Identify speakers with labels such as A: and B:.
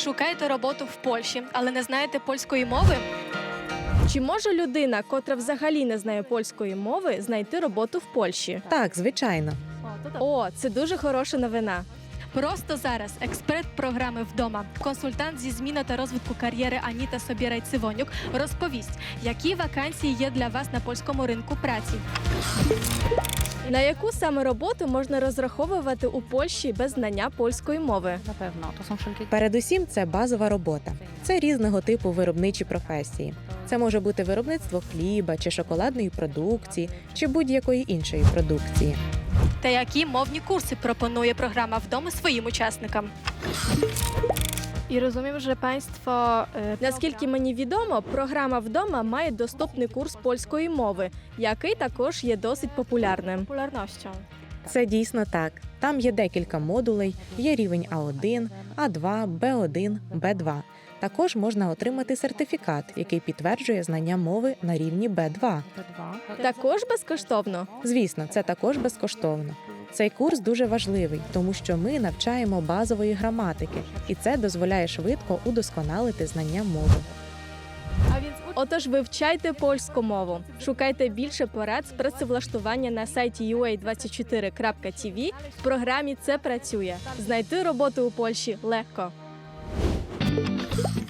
A: Шукаєте роботу в Польщі, але не знаєте польської мови?
B: Чи може людина, котра взагалі не знає польської мови, знайти роботу в Польщі?
C: Так, звичайно.
B: О, це дуже хороша новина.
A: Просто зараз експерт програми «Вдома», консультант зі зміни та розвитку кар'єри Аніта Собірай-Цивонюк розповість, які вакансії є для вас на польському ринку праці.
B: На яку саме роботу можна розраховувати у Польщі без знання польської мови?
D: Na pewno, to są wszelkie
C: Передусім, це базова робота. Це різного типу виробничі професії. Це може бути виробництво хліба чи шоколадної продукції, чи будь-якої іншої продукції.
A: Та які мовні курси пропонує програма «Вдома» своїм учасникам?
B: І розумію, що панство, наскільки мені відомо, програма «Вдома» має доступний курс польської мови, який також є досить популярним.
A: Популярністю.
C: Це дійсно так. Там є декілька модулей, є рівень А1, А2, Б1, Б2. Також можна отримати сертифікат, який підтверджує знання мови на рівні Б2.
D: P2.
B: Також безкоштовно.
C: Звісно, це також безкоштовно. Цей курс дуже важливий, тому що ми навчаємо базової граматики, і це дозволяє швидко удосконалити знання мови.
B: Отож, вивчайте польську мову. Шукайте більше порад з працевлаштування на сайті ua24.tv. В програмі «Це працює». Знайти роботу у Польщі легко.